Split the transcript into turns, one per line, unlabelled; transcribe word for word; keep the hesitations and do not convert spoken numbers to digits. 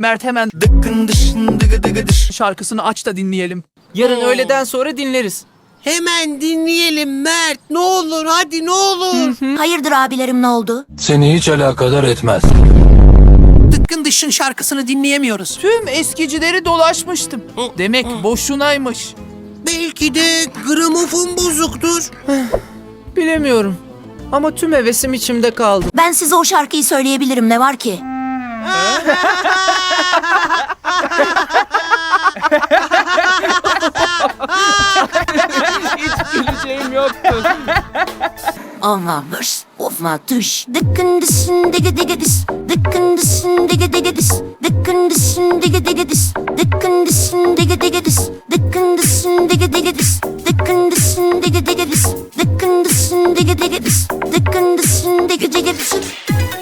Mert hemen dıkkın dışın dıgı dıgı dış şarkısını aç da dinleyelim.
Yarın öğleden sonra dinleriz.
Hemen dinleyelim Mert. Ne olur hadi ne olur.
Hayırdır abilerim, ne oldu?
Seni hiç alakadar etmez.
Dıkkın dışın şarkısını dinleyemiyoruz. Tüm eskicileri dolaşmıştım. Demek boşunaymış.
Belki de gramofon bozuktur.
Bilemiyorum. Ama tüm hevesim içimde kaldı.
Ben size o şarkıyı söyleyebilirim, ne var ki?
Hiç güleceğim yoktu.
Ama vırs, ofma tuş. Dıkkın dışın dige dige dis. Dıkkın dışın dige dige dis. Dıkkın dışın dige dige dis. Dıkkın dışın dige dige dis. Dıkkın dışın dige dige dis. Dıkkın dışın dige dige dis. Dıkkın dışın dige dige dis. Dıkkın dışın dige dige dis.